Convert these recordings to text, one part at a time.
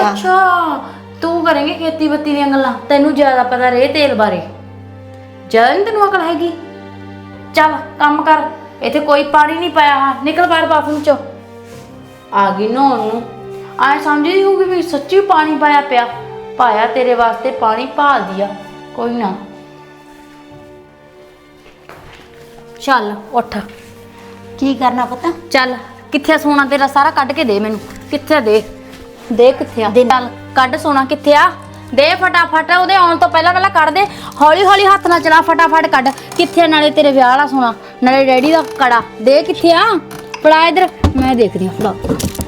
ਅੱਛਾ ਤੂੰ ਕਰੇਂਗੀ ਖੇਤੀ ਬੱਤੀ ਦੀਆਂ ਗੱਲਾਂ, ਤੈਨੂੰ ਜ਼ਿਆਦਾ ਪਤਾ ਰੇ ਤੇਲ ਬਾਰੇ, ਜ਼ਿਆਦਾ ਨੀ ਤੈਨੂੰ ਅਕਲ ਹੈਗੀ। ਚੱਲ ਕੰਮ ਕਰ, ਇੱਥੇ ਕੋਈ ਪਾਣੀ ਨਹੀਂ ਪਾਇਆ। ਹਾਂ ਨਿਕਲ ਬਾਹਰ ਬਾਥਰੂਮ ਚੋਂ। ਆ ਗਈ ਨਹਾਉਣ ਨੂੰ, ਆਏ ਸਮਝਦੀ ਹੋਊਗੀ ਵੀ ਸੱਚੀ ਪਾਣੀ ਪਾਇਆ ਪਿਆ। ਪਾਇਆ ਤੇਰੇ ਵਾਸਤੇ ਪਾਣੀ, ਭਾਲ ਦਿਆ। ਕੋਈ ਨਾ ਚੱਲ ਉੱਠ। ਕੀ ਕਰਨਾ ਪਤਾ? ਚੱਲ ਕਿੱਥੇ ਸੋਨਾ ਤੇਰਾ ਸਾਰਾ ਕੱਢ ਕੇ ਦੇ ਮੈਨੂੰ। ਕਿੱਥੇ ਦੇ ਕਿੱਥੇ ਆ? ਚੱਲ ਕੱਢ ਸੋਨਾ ਕਿੱਥੇ ਆ, ਦੇ ਫਟਾਫਟ। ਉਹਦੇ ਆਉਣ ਤੋਂ ਪਹਿਲਾਂ ਪਹਿਲਾਂ ਕੱਢ ਦੇ, ਹੌਲੀ ਹੌਲੀ ਹੱਥ ਨਾਲ ਚਲਾ, ਫਟਾਫਟ ਕੱਢ। ਕਿੱਥੇ ਨਾਲੇ ਤੇਰੇ ਵਿਆਹ ਵਾਲਾ ਸੋਨਾ, ਨਾਲੇ ਡੈਡੀ ਦਾ ਕੜਾ, ਦੇ ਕਿੱਥੇ ਆ? ਫੜਾ ਇਧਰ, ਮੈਂ ਦੇਖਦੀ ਹਾਂ। ਫੜਾ।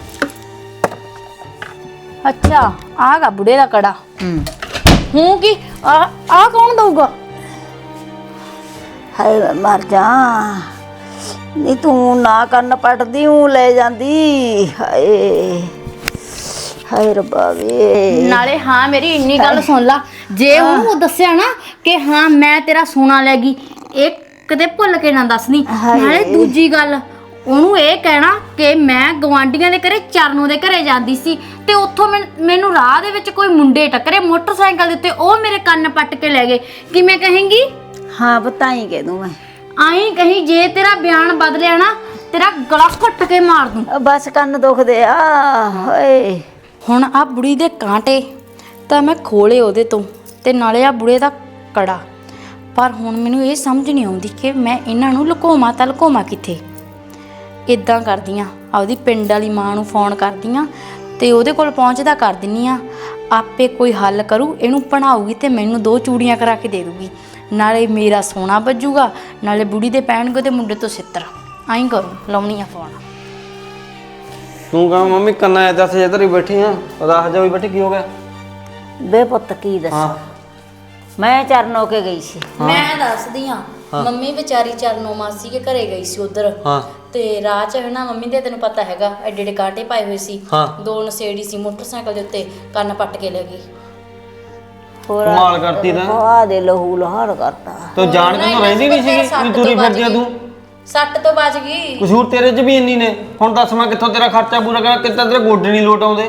ਅੱਛਾ ਆਗਾ ਬੁੜੇ ਦਾ ਕੜਾ। ਹੂੰ ਕੀ ਆ ਕੌਣ ਦਊਗਾ? ਹਾਏ ਮੈਂ ਮਰ ਜਾ, ਨਹੀਂ ਤੂੰ ਨਾ ਕੰਨ ਪੱਟਦੀ ਹੂੰ ਲੈ ਜਾਂਦੀ। ਹਾਏ ਹਾਏ ਰੱਬਾ ਵੇ। ਨਾਲੇ ਹਾਂ ਮੇਰੀ ਇੰਨੀ ਗੱਲ ਸੁਣ ਲਾ, ਜੇ ਉਹਨੂੰ ਦੱਸਿਆ ਨਾ ਕਿ ਹਾਂ ਮੈਂ ਤੇਰਾ ਸੋਨਾ ਲੈ ਗਈ, ਇਹ ਕਦੇ ਭੁੱਲ ਕੇ ਨਾ ਦੱਸਣੀ। ਨਾਲੇ ਦੂਜੀ ਗੱਲ, ਉਹਨੂੰ ਇਹ ਕਹਿਣਾ ਕਿ ਮੈਂ ਗਵਾਂਢੀਆਂ ਦੇ ਘਰੇ ਚਰਨੋਂ ਦੇ ਘਰੇ ਜਾਂਦੀ ਸੀ ਤੇ ਉੱਥੋਂ ਮੈਨੂੰ ਰਾਹ ਦੇ ਵਿੱਚ ਕੋਈ ਮੁੰਡੇ ਟੱਕਰੇ ਮੋਟਰਸਾਈਕਲ ਦੇ ਉੱਤੇ, ਉਹ ਮੇਰੇ ਕੰਨ ਪੱਟ ਕੇ ਲੈ ਗਏ। ਕਿਵੇਂ ਕਹੇਂਗੀ? ਹਾਂ ਬਤਾਈ ਕਹਿ ਦੂੰ ਮੈਂ। ਆਈ ਕਹੀਂ, ਜੇ ਤੇਰਾ ਬਿਆਨ ਬਦਲਿਆ ਨਾ ਤੇਰਾ ਗਲਾ ਘੁੱਟ ਕੇ ਮਾਰ ਦੂੰ। ਬਸ ਕੰਨ ਦੁਖਦੇ ਆ। ਹਾਏ ਹੁਣ ਆ ਬੁੜੀ ਦੇ ਕਾਂਟੇ ਤਾਂ ਮੈਂ ਖੋਲੇ ਉਹਦੇ ਤੋਂ, ਤੇ ਨਾਲੇ ਆ ਬੁੜੇ ਦਾ ਕੜਾ। ਪਰ ਹੁਣ ਮੈਨੂੰ ਇਹ ਸਮਝ ਨਹੀਂ ਆਉਂਦੀ ਕਿ ਮੈਂ ਇਹਨਾਂ ਨੂੰ ਲੁਕੋਵਾਂ ਤਾਂ ਲੁਕੋਵਾਂ ਕਿੱਥੇ। ਇੱਦਾਂ ਕਰਦੀ ਹਾਂ, ਆਪਦੀ ਪਿੰਡ ਵਾਲੀ ਮਾਂ ਨੂੰ ਫੋਨ ਕਰਦੀ ਹਾਂ ਤੇ ਉਹਦੇ ਕੋਲ ਪਹੁੰਚਦਾ ਕਰ ਦਿੰਦੀ ਹਾਂ। ਆਪੇ ਕੋਈ ਹੱਲ ਕਰੂ, ਇਹਨੂੰ ਬਣਾਊਗੀ ਤੇ ਮੈਨੂੰ 2 ਚੂੜੀਆਂ ਕਰਾ ਕੇ ਦੇ ਦੂਗੀ। ਨਾਲੇ ਮੇਰਾ ਸੋਨਾ ਵੱਜੂਗਾ, ਨਾਲੇ ਬੁੜੀ ਦੇ ਪੈਣਗੇ ਤੇ ਮੁੰਡੇ ਤੋਂ ਸਿੱਤਰ। ਆਈ ਕਰੂ, ਲਾਉਣੀ ਆ ਫੋਨ। ਤੂੰ ਕਹਾਂ ਮੰਮੀ ਕੰਨਾਂ ਐ ਦੱਸ, ਇੱਧਰ ਹੀ ਬੈਠੀ ਆ, ਉਦਾਸ ਜਾ ਹੋਈ ਬੈਠੀ, ਕੀ ਹੋ ਗਿਆ? ਬੇ ਪੁੱਤ ਕੀ ਦੱਸਾਂ, ਮੈਂ ਚਰਨ ਹੋ ਕੇ ਗਈ ਸੀ। ਮੈਂ ਦੱਸਦੀ ਹਾਂ, ਮੰਮੀ ਵਿਚਾਰੀ ਚਰਨੋਂ ਮਾਸੀ ਕੇ ਘਰੇ ਗਈ ਸੀ ਉਧਰ। ਤੇ ਰਾਹ ਚ ਨਾ ਮੰਮੀ ਦੇ, ਤੈਨੂੰ ਪਤਾ ਹੈਗਾ, ਐਡੇ ਐਡੇ ਕਾਂਟੇ ਪਾਏ ਹੋਏ ਸੀ। 2 ਨਸ਼ੇੜੀ ਸੀ ਮੋਟਰਸਾਈਕਲ ਦੇ ਉੱਤੇ, ਕੰਨ ਪੱਟ ਕੇ ਲੈ ਗਈ। ਹੋਰ ਕਮਾਲ ਕਰਤੀ ਤਾਂ, ਆ ਦੇ ਲਹੂ ਲਹਾਰ ਕਰਤਾ। ਤੂੰ ਜਾਣ ਕੇ ਤੂੰ ਰਹਿੰਦੀ ਨਹੀਂ ਸੀਗੀ, ਵੀ ਤੁਰੀ ਫਿਰਦੀ ਆ ਤੂੰ। ਸੱਟ ਤੋਂ ਬਚ ਗਈ। ਕਸੂਰ ਤੇਰੇ 'ਚ ਵੀ ਇੰਨੀ ਨੇ। ਹੁਣ ਦੱਸ ਮੈਂ ਕਿੱਥੋਂ ਤੇਰਾ ਖਰਚਾ ਪੂਰਾ ਕਰਾਂ, ਕਿੱਦਾਂ ਤੇਰੇ ਗੋਡੇ ਨਹੀਂ ਲੋਟ ਆਉਂਦੇ।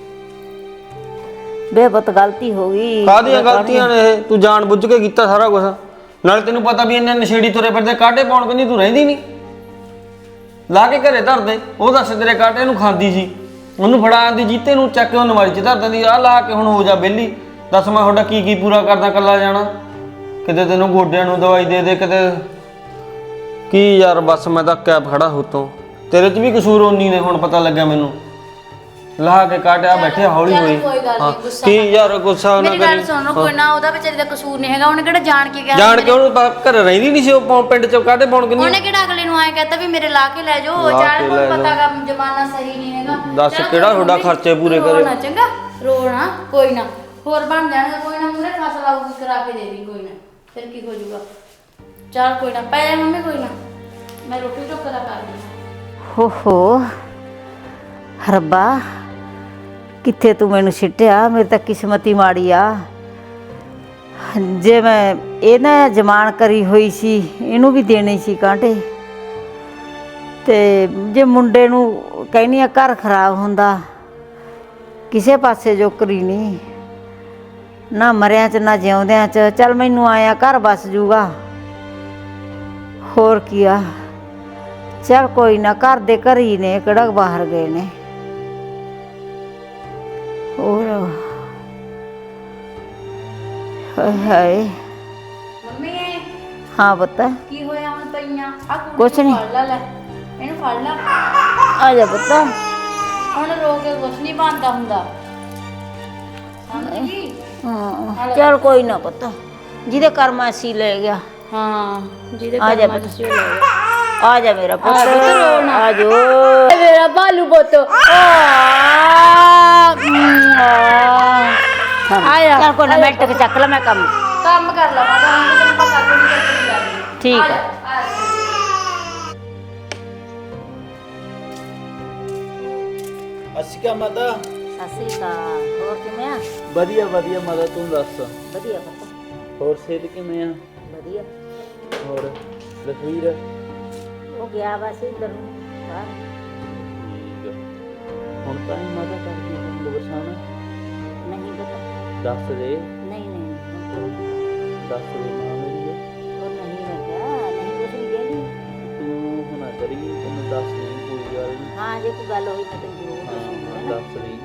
ਬੇ ਪੁੱਤ ਗਲਤੀ ਹੋ ਗਈ। ਕਾਹਦੀਆਂ ਗਲਤੀਆਂ ਨੇ ਇਹ? ਤੂੰ ਜਾਣ ਬੁੱਝ ਕੇ ਕੀਤਾ ਸਾਰਾ ਕੁਝ। ਨਾਲੇ ਤੈਨੂੰ ਪਤਾ ਵੀ ਇੰਨੇ ਨਸ਼ੇੜੀ ਤੁਰੇ ਫਿਰਦੇ, ਕਾਂਟੇ ਪਾਉਣ ਕਹਿੰਦੀ ਤੂੰ ਰਹਿੰਦੀ ਨਹੀਂ, ਲਾ ਕੇ ਘਰੇ ਧਰਦੇ। ਉਹ ਦੱਸ ਤੇਰੇ ਕਾਂਟੇ ਨੂੰ ਖਾਂਦੀ ਸੀ, ਉਹਨੂੰ ਫੜਾ ਆਂਦੀ ਜੀਤੇ ਨੂੰ, ਚੱਕ ਕੇ ਉਹ ਨਵਾਰੀ 'ਚ ਧਰ ਦਿੰਦੀ। ਆਹ ਲਾ ਕੇ ਹੁਣ ਹੋ ਜਾ ਵਿਹਲੀ। ਦੱਸ ਮੈਂ ਤੁਹਾਡਾ ਕੀ ਪੂਰਾ ਕਰਦਾ ਇਕੱਲਾ ਜਾਣਾ? ਕਿਤੇ ਤੈਨੂੰ ਗੋਡਿਆਂ ਨੂੰ ਦਵਾਈ ਦੇ ਦੇ, ਕਿਤੇ ਕੀ ਯਾਰ। ਬਸ ਮੈਂ ਤਾਂ ਕੈਬ ਖੜਾ ਹੁੱਤੋਂ, ਤੇਰੇ 'ਚ ਵੀ ਕਸੂਰ ਓਨੀ ਨੇ। ਹੁਣ ਪਤਾ ਲੱਗਿਆ ਮੈਨੂੰ, ਲਾ ਕੇ ਕਾਟਿਆ ਬੈਠੇ ਹੌਲੀ ਹੋਈ। ਕੀ ਯਾਰ ਗੁੱਸਾ ਨਾ ਕਰੀ। ਮੇਰੀ ਗੱਲ ਸੁਣ, ਕੋਈ ਨਾ ਉਹਦਾ ਵਿਚਾਰੀ ਦਾ ਕਸੂਰ ਨਹੀਂ ਹੈਗਾ। ਉਹਨੇ ਕਿਹੜਾ ਜਾਣ ਕੇ ਕਿਹਾ? ਜਾਣ ਕੇ ਉਹਨੂੰ ਘਰ ਰਹਿੰਦੀ ਨਹੀਂ ਸੀ ਉਹ ਪਿੰਡ 'ਚ ਕਾਟੇ ਪਾਉਣ ਕਿੰਨੀ। ਉਹਨੇ ਕਿਹੜਾ ਅਗਲੇ ਨੂੰ ਆਏ ਕਹਤਾ ਵੀ ਮੇਰੇ ਲਾ ਕੇ ਲੈ ਜਾਓ। ਜਾਣ ਕੋਈ ਪਤਾ ਗਾ ਜ਼ਮਾਨਾ ਸਹੀ ਨਹੀਂ ਹੈਗਾ। ਦੱਸ ਕਿਹੜਾ ਤੁਹਾਡਾ ਖਰਚੇ ਪੂਰੇ ਕਰੇ। ਰੋਣਾ ਚੰਗਾ, ਰੋਣਾ ਕੋਈ ਨਾ, ਹੋਰ ਬਣ ਜਾਣਗੇ। ਕੋਈ ਨਾ ਮੂਰੇ ਫਸਲ ਆਊਗੀ, ਕਰਾ ਕੇ ਦੇ ਦੀ। ਕੋਈ ਨਾ, ਫਿਰ ਕੀ ਹੋ ਜਾਊਗਾ। ਚੱਲ ਕੋਈ ਨਾ, ਪੈ ਜਾ ਮੰਮੀ, ਕੋਈ ਨਾ, ਮੈਂ ਰੋਟੀ ਟੋਕਾ ਦਾ ਕਰਦੀ। ਹੋ ਹੋ ਰੱਬਾ, ਕਿੱਥੇ ਤੂੰ ਮੈਨੂੰ ਸਿੱਟਿਆ। ਮੇਰੀ ਤਾਂ ਕਿਸਮਤ ਹੀ ਮਾੜੀ ਆ। ਜੇ ਮੈਂ ਇਹ ਨਾ ਜਮਾਨ ਕਰੀ ਹੋਈ ਸੀ, ਇਹਨੂੰ ਵੀ ਦੇਣੇ ਸੀ ਕਾਂਟੇ। ਤੇ ਜੇ ਮੁੰਡੇ ਨੂੰ ਕਹਿੰਦੀ ਆ ਘਰ ਖਰਾਬ ਹੁੰਦਾ, ਕਿਸੇ ਪਾਸੇ ਜੋਕਰੀ ਨਹੀਂ, ਨਾ ਮਰਿਆਂ 'ਚ ਨਾ ਜਿਉਂਦਿਆਂ 'ਚ। ਚੱਲ ਮੈਨੂੰ ਆਇਆ ਘਰ ਬਸ ਜੂਗਾ, ਹੋਰ ਕੀ ਆ। ਚੱਲ ਕੋਈ ਨਾ, ਘਰ ਦੇ ਘਰ ਹੀ ਨੇ, ਕਿਹੜਾ ਬਾਹਰ ਗਏ ਨੇ। ਹੋਰ ਹਾਏ ਹਾਏ। ਮੰਮੀ ਹਾਂ ਪੁੱਤ, ਕੀ ਹੋਇਆ ਹੁਣ ਪਈਆਂ? ਆ ਕੁਛ ਨੀ। ਫੜ ਲੈ, ਇਹਨੂੰ ਫੜ ਲੈ। ਆ ਜਾ ਪੁੱਤ। ਹੁਣ ਰੋ ਕੇ ਕੁਛ ਨਹੀਂ ਬਣਦਾ ਹੁੰਦਾ, ਸਮਝ ਗਈ? ਹਾਂ ਚੱਲ ਕੋਈ ਨਾ ਪੁੱਤ, ਜਿਹਦੇ ਕਰਮਾਂ ਸੀ ਲੈ ਗਿਆ। ਹਾਂ ਜਿਹਦੇ ਆ ਜਾ ਕਰਮਾਂ ਪੁੱਤ। ਚ ਸੀ ਉਹ ਲੈ ਗਿਆ। ਆ ਜਾ ਮੇਰਾ ਪੁੱਤ, ਆ ਜੋ ਮੇਰਾ ਬਾਲੂ ਪੁੱਤ। ਆਇਆ ਚੱਲ ਕੋਈ ਨਾ, ਮਿੰਟ ਕੇ ਚੱਕ ਲੈ, ਮੈਂ ਕੰਮ ਕਰ ਲਵਾਂ। ਤੈਨੂੰ ਪਤਾ ਕੋਈ ਨਹੀਂ। ਠੀਕ ਆ। ਅਸੀਂ ਕਾ ਮਾਤਾ? ਸਤਿ ਸ੍ਰੀ ਅਕਾਲ। ਹੋਰ ਕਿਵੇਂ ਆ? ਵਧੀਆ ਵਧੀਆ ਮਾਤਾ, ਤੂੰ ਦੱਸ। ਵਧੀਆ ਪੁੱਤ, ਹੋਰ ਸਿਹਤ ਕਿਵੇਂ ਆ? ਵਧੀਆ। ਹੋਰ ਲਖਵੀਰ? ਉਹ ਗਿਆ ਬਸ ਇੱਧਰ ਨੂੰ ਬਾਹਰ। ਠੀਕ ਆ। ਹੁਣ ਤਾਂ ਹੀ ਮਾਤਾ ਕਰਦੀ ਤੈਨੂੰ ਬਰਸਾਣਾ। ਨਹੀਂ ਪਤਾ। ਦੱਸ ਦੇ। ਨਹੀਂ ਨਹੀਂ ਦੱਸ ਦੇ ਮਾਂ ਮੇਰੀ। ਉਹ ਨਹੀਂ ਮੈਂ ਕਿਹਾ ਨਹੀਂ ਕੁਛ ਨਹੀਂ ਕਹਿੰਦੀ। ਤੂੰ ਹੁਣ ਨਾ ਕਰੀ, ਤੈਨੂੰ ਦੱਸ ਨਹੀਂ ਕੋਈ ਗੱਲ ਨਹੀਂ। ਹਾਂ ਜੇ ਕੋਈ ਗੱਲ ਹੋਈ ਮੈਂ ਤੈਨੂੰ ਜ਼ਰੂਰ ਦੱਸੂਗੀ ਹਾਂ, ਹੈ ਨਾ। ਦੱਸ ਰਹੀ।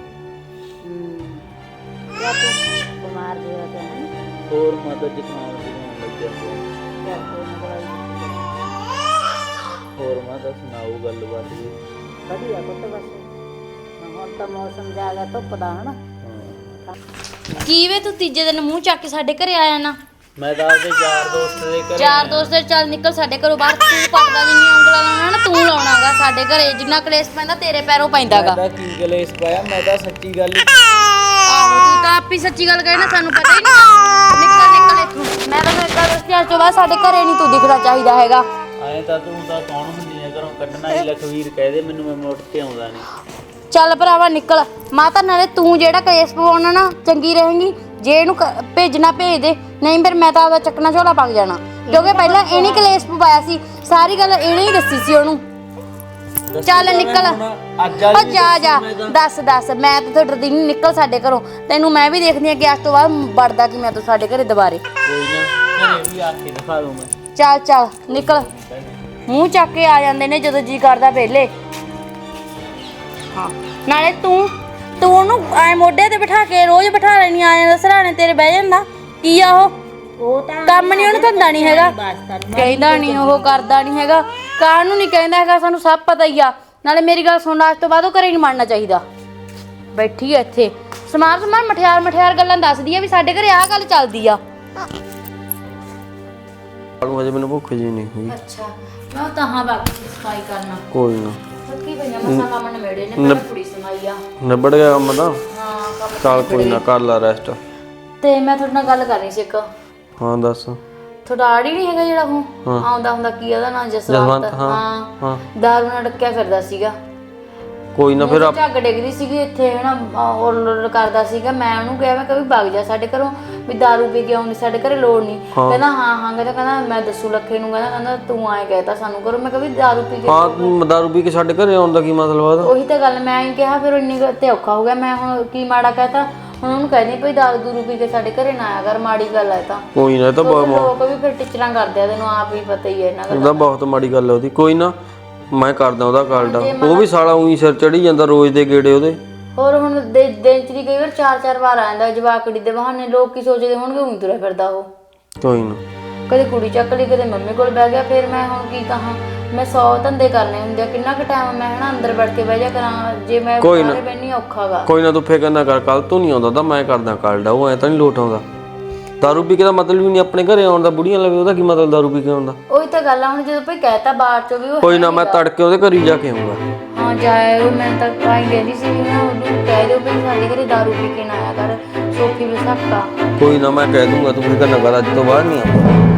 ਕਿਆ ਤੂੰ ਬਿਮਾਰ ਹੋਇਆ ਪਿਆ ਹੈ ਨਾ? ਹੋਰ ਮਾਤਾ ਜ਼ੁਕਾਮ ਦੀ ਹੋਣ ਲੱਗਿਆ ਪਿਆ। ਕਿਆ ਕੋਈ ਨਾ ਦਵਾਈ ਦਿੱਤੀ ਹੋਰ ਮਾਤਾ ਸੁਣਾਓ ਗੱਲਬਾਤ ਜੀ। ਵਧੀਆ ਪੁੱਤ ਬਸ ਹੁਣ ਤਾਂ ਮੌਸਮ ਜਾ ਗਿਆ ਧੁੱਪ ਦਾ ਹਨਾ। ਹਾਂ, ਕੀ ਵੇ ਤੂੰ ਤੀਜੇ ਦਿਨ ਮੂੰਹ ਚੱਕ ਕੇ ਸਾਡੇ ਘਰੇ ਆਇਆ ਨਾ? ਮੈਂ ਤਾਂ ਆਪਦੇ ਯਾਰ ਦੋਸਤ ਦੇ ਘਰੇ ਚਾਰ ਦੋਸਤ ਦੇ ਚੱਲ ਨਿਕਲ ਸਾਡੇ ਘਰੋਂ ਬਾਹਰ। ਤੂੰ ਪੱਟਦਾ ਜਿੰਨੀ ਉਂਗਲਾਂ ਲਾਉਣਾ ਨਾ ਤੂੰ ਲਾਉਣਾਗਾ ਸਾਡੇ ਘਰੇ। ਜਿੰਨਾ ਕਲੇਸ਼ ਪੈਂਦਾ ਤੇਰੇ ਪੈਰੋਂ ਪੈਂਦਾਗਾ। ਮੈਂ ਤਾਂ ਕੀ ਕਲੇਸ਼ ਪਾਇਆ, ਮੈਂ ਤਾਂ ਸੱਚੀ ਗੱਲ ਹੀ। ਆਹੋ ਤੂੰ ਤਾਂ ਆਪ ਹੀ ਸੱਚੀ ਗੱਲ ਕਹੇ ਨਾ, ਸਾਨੂੰ ਪਤਾ ਹੀ ਨਹੀਂ। ਨਿਕਲ ਨਿਕਲ ਇੱਥੋਂ। ਮੈਂ ਤੈਨੂੰ ਇੱਕ ਗੱਲ ਦੱਸਦੀ, ਅੱਜ ਤੋਂ ਬਾਅਦ ਸਾਡੇ ਘਰੇ ਨਹੀਂ ਤੂੰ ਦਿਖਣਾ ਚਾਹੀਦਾ ਹੈਗਾ। ਆਏ ਤਾਂ ਤੂੰ ਤਾਂ ਕੌਣ ਹੁੰਦੀ ਆ ਘਰੋਂ ਕੱਢਣਾ ਹੀ? ਲਖਵੀਰ ਕਹਿ ਦੇ ਮੈਨੂੰ, ਮੈਂ ਮੁੜ ਕੇ ਆਉਂਦਾ ਨਹੀਂ। ਚੱਲ ਭਰਾਵਾ ਨਿਕਲ। ਮਾਤਾ ਨਾਲੇ ਤੂੰ ਜਿਹੜਾ ਕਲੇਸ਼ ਪਵਾਉਣਾ ਨਾ ਚੰਗੀ ਰਹੇਗੀ। ਜੇ ਇਹਨੂੰ ਭੇਜਣਾ ਭੇਜ ਦੇ, ਨਹੀਂ ਫਿਰ ਮੈਂ ਤਾਂ ਆਪਦਾ ਚੱਕਣਾ ਝੋਲਾ ਪੱਕ ਜਾਣਾ। ਕਿਉਂਕਿ ਪਹਿਲਾਂ ਇਹਨੇ ਕਲੇਸ਼ ਪਵਾਇਆ ਸੀ, ਸਾਰੀ ਗੱਲ ਇਹਨੇ ਹੀ ਦੱਸੀ ਸੀ ਉਹਨੂੰ। ਚੱਲ ਨਿਕਲ। ਅੱਜ ਓ ਜਾ ਜਾ ਦੱਸ ਮੈਂ ਤਾਂ ਤੋਂ ਡਰਦੀ ਨਹੀਂ। ਨਿਕਲ ਸਾਡੇ ਘਰੋਂ। ਤੈਨੂੰ ਮੈਂ ਵੀ ਦੇਖਦੀ ਆ ਕਿ ਅੱਜ ਤੋਂ ਬਾਅਦ ਵੜਦਾ ਕਿ ਮੈਂ ਤੂੰ ਸਾਡੇ ਘਰੇ ਦੁਬਾਰੇ। ਕੋਈ ਨਾ, ਘਰੇ ਵੀ ਆ ਕੇ ਦਿਖਾ ਦੂੰ ਮੈਂ। ਚੱਲ ਨਿਕਲ। ਮੂੰਹ ਚੱਕ ਕੇ ਆ ਜਾਂਦੇ ਨੇ ਜਦੋਂ ਜੀ ਕਰਦਾ ਵੇਲੇ। ਹਾਂ ਨਾਲੇ ਤੂੰ ਉਹਨੂੰ ਐ ਮੋਢੇ ਤੇ ਬਿਠਾ ਕੇ ਰੋਜ਼ ਬਿਠਾ ਲੈਣੀ ਆ ਜਾਂਦਾ ਸਰਾਣੇ ਤੇਰੇ ਬਹਿ ਜਾਂਦਾ। ਕੀ ਆ ਉਹ ਤਾਂ ਕੰਮ ਨਹੀਂ ਉਹਨੂੰ ਧੰਦਾ ਨਹੀਂ ਹੈਗਾ। ਕਹਿੰਦਾ ਨਹੀਂ ਉਹ ਕਰਦਾ ਨਹੀਂ ਹੈਗਾ। ਕਾਹਨੂੰ ਨਹੀਂ ਕਹਿੰਦਾ ਹੈਗਾ, ਸਾਨੂੰ ਸਭ ਪਤਾ ਹੀ ਆ। ਨਾਲੇ ਮੇਰੀ ਗੱਲ ਸੁਣ, ਅੱਜ ਤੋਂ ਬਾਅਦ ਉਹ ਘਰੇ ਨਹੀਂ ਮੰਨਣਾ ਚਾਹੀਦਾ। ਬੈਠੀ ਆ ਇੱਥੇ ਸਮਾਰ ਮਠਿਆਰ ਗੱਲਾਂ ਦੱਸਦੀ ਆ ਵੀ ਸਾਡੇ ਘਰੇ ਆਹ ਗੱਲ ਚੱਲਦੀ ਆ। ਹਜੇ ਮੈਨੂੰ ਭੁੱਖ ਜੀ ਨਹੀਂ ਹੋਈ। ਅੱਛਾ ਮੈਂ ਤਾਂ ਹਾਂ ਬਾਕੀ ਸਫਾਈ ਕਰਨਾ। ਕੋਈ ਨਾ, ਥੱਕੀ ਪਈਆਂ ਮਸਾਂ ਕੰਮ ਨਵੇੜੇ ਨੇ। ਪਹਿਲਾਂ ਕੁੜੀ ਸਮਾਈ ਆ। ਨਿਬੜ ਗਿਆ ਕੰਮ ਤਾਂ। ਹਾਂ ਕੰਮ ਚੱਲ ਕੋਈ ਨਾ, ਕਰ ਲੈ ਰੈਸਟ। ਤੇ ਮੈਂ ਤੁਹਾਡੇ ਨਾਲ ਗੱਲ ਕਰਨੀ ਸੀ ਇੱਕ। ਹਾਂ ਦੱਸ। ਤੁਹਾਡਾ ਆੜੀ ਨਹੀਂ ਹੈਗਾ ਜਿਹੜਾ ਉਹ ਆਉਂਦਾ ਹੁੰਦਾ, ਕੀ ਉਹਦਾ ਨਾਂ? ਜਸਵੰਤ। ਹਾਂ ਦਾਰੂ ਨਾਲ ਡੱਕਿਆ ਫਿਰਦਾ ਸੀਗਾ। ਕੋਈ ਨਾ ਫਿਰ ਝੱਗ ਡਿੱਗਦੀ ਸੀਗੀ ਇੱਥੇ ਹਨਾ, ਉਹ ਕਰਦਾ ਸੀਗਾ। ਮੈਂ ਉਹਨੂੰ ਕਿਹਾ ਮੈਂ ਕभी ਵਗ ਜਾ ਸਾਡੇ ਘਰੋਂ, ਵੀ ਦਾਰੂ ਪੀ ਕੇ ਆਉਣੀ ਸਾਡੇ ਘਰੇ ਲੋੜ ਨਹੀਂ। ਕਹਿੰਦਾ ਹਾਂ ਕਹਿੰਦਾ ਮੈਂ ਦੱਸੂ ਲੱਖੇ ਨੂੰ। ਕਹਿੰਦਾ ਤੂੰ ਆਏ ਕਹਿਤਾ ਸਾਨੂੰ ਕਰੋ। ਮੈਂ ਕभी ਦਾਰੂ ਪੀ ਕੇ। ਹਾਂ ਤੂੰ ਦਾਰੂ ਪੀ ਕੇ ਸਾਡੇ ਘਰੇ ਆਉਣ ਦਾ ਕੀ ਮਤਲਬ ਆ? ਉਹੀ ਤਾਂ ਗੱਲ ਮੈਂ ਹੀ ਕਿਹਾ। ਫਿਰ ਇੰਨੀ ਤੇ ਔਖਾ ਹੋ ਗਿਆ। ਮੈਂ ਹੁਣ ਕੀ ਮਾੜਾ ਕਹਤਾ? ਹੁਣ ਉਹਨੂੰ ਕਹਿੰਦੀ ਭਈ ਦਾਰੂ ਦੂਰੂ ਪੀ ਕੇ ਸਾਡੇ ਘਰੇ ਨਾ ਆਇਆ ਕਰ, ਮਾੜੀ ਗੱਲ ਹੈ ਤਾਂ। ਕੋਈ ਨਾ, ਇਹ ਤਾਂ ਲੋਕ ਵੀ ਫਿਰ ਟਿਚਰਾਂ ਕਰਦੇ ਆ, ਤੈਨੂੰ ਆਪ ਹੀ ਪਤਾ ਹੀ ਹੈ ਇਹਨਾਂ ਉਹਦਾ ਬਹੁਤ ਮਾੜੀ ਗੱਲ ਹੈ ਉਹਦੀ। ਕੋਈ ਨਾ ਮੈਂ ਕਰਦਾ ਉਹਦਾ ਕਾਲਡਾ। ਉਹ ਵੀ ਸਾਲਾ ਉਹੀ ਸਿਰ ਚੜੀ ਜਾਂਦਾ ਰੋਜ਼ ਦੇ ਗੇੜੇ ਉਹਦੇ। ਹੋਰ ਹੁਣ ਦਿਨ ਚ ਦੀ ਕਈ ਵਾਰ 4-4 ਵਾਰ ਆ ਜਾਂਦਾ ਜਵਾਕੜੀ ਦੇ ਬਹਾਨੇ। ਲੋਕ ਕੀ ਸੋਚਦੇ ਹੋਣਗੇ ਊਂ ਤੁਰਿਆ ਫਿਰਦਾ ਉਹ। ਕੋਈ ਨਾ, ਕਦੇ ਕੁੜੀ ਚੱਕ ਲਈ, ਕਦੇ ਮੰਮੀ ਕੋਲ ਬਹਿ ਗਿਆ। ਫਿਰ ਮੈਂ ਹੁਣ ਕੀ ਕਹਾਂ? ਮੈਂ 100 ਧੰਦੇ ਕਰਨੇ ਹੁੰਦੇ ਆ। ਕਿੰਨਾ ਕੁ ਟਾਈਮ ਮੈਂ ਹਨਾ ਅੰਦਰ ਵੜ ਕੇ ਬਹਿ ਜਾ ਕਰਾਂ? ਜੇ ਮੈਂ ਬਾਹਰ ਬੈਣੀ ਔਖਾ ਗਾ। ਕੋਈ ਨਾ ਤੂੰ ਫਿਕਰ ਨਾ ਕਰ, ਕੱਲ ਤੋਂ ਨਹੀਂ ਆਉਂਦਾ ਤਾਂ ਮੈਂ ਕਰਦਾ ਕਾਲਡਾ। ਉਹ ਐ ਤਾਂ ਨਹੀਂ ਲੋਟ ਆਉਂਦਾ। ਦਾਰੂ ਪੀ ਕੇ ਦਾ ਮਤਲਬ ਵੀ ਨਹੀਂ ਆਪਣੇ ਘਰੇ ਆਉਣ ਦਾ। ਬੁੜੀਆਂ ਲਵੇ ਉਹਦਾ ਕੀ ਮਤਲਬ ਦਾਰੂ ਪੀ ਕੇ ਆਉਣ ਦਾ? ਉਹੀ ਤਾਂ ਗੱਲ ਆ। ਹੁਣ ਜਦੋਂ ਭਈ ਕਹਿਤਾ ਬਾਹਰ ਚੋਂ ਵੀ ਉਹ ਕੋਈ ਨਾ, ਮੈਂ ਤੜਕੇ ਉਹਦੇ ਘਰ ਹੀ ਜਾ ਕੇ ਆਉਂਗਾ। ਹਾਂ ਜਾਇਓ। ਮੈਂ ਤਾਂ ਆਈ ਕਹਿੰਦੀ ਸੀ ਵੀ ਨਾ ਉਹਨੂੰ ਕਹਿ ਦਿਓ ਵੀ ਸਾਡੇ ਘਰੇ ਦਾਰੂ ਪੀ ਕੇ ਨਾ ਆਇਆ ਕਰ, ਸੋਫੀ ਵਿਸਾਖਾ। ਕੋਈ ਨਾ ਮੈਂ ਕਹਿ ਦੂੰਗਾ, ਤੂੰ ਫਿਕਰ ਨਾ ਕਰ, ਅੱਜ ਤੋਂ ਬਾਅਦ ਨਹੀਂ ਆਉਂਦਾ।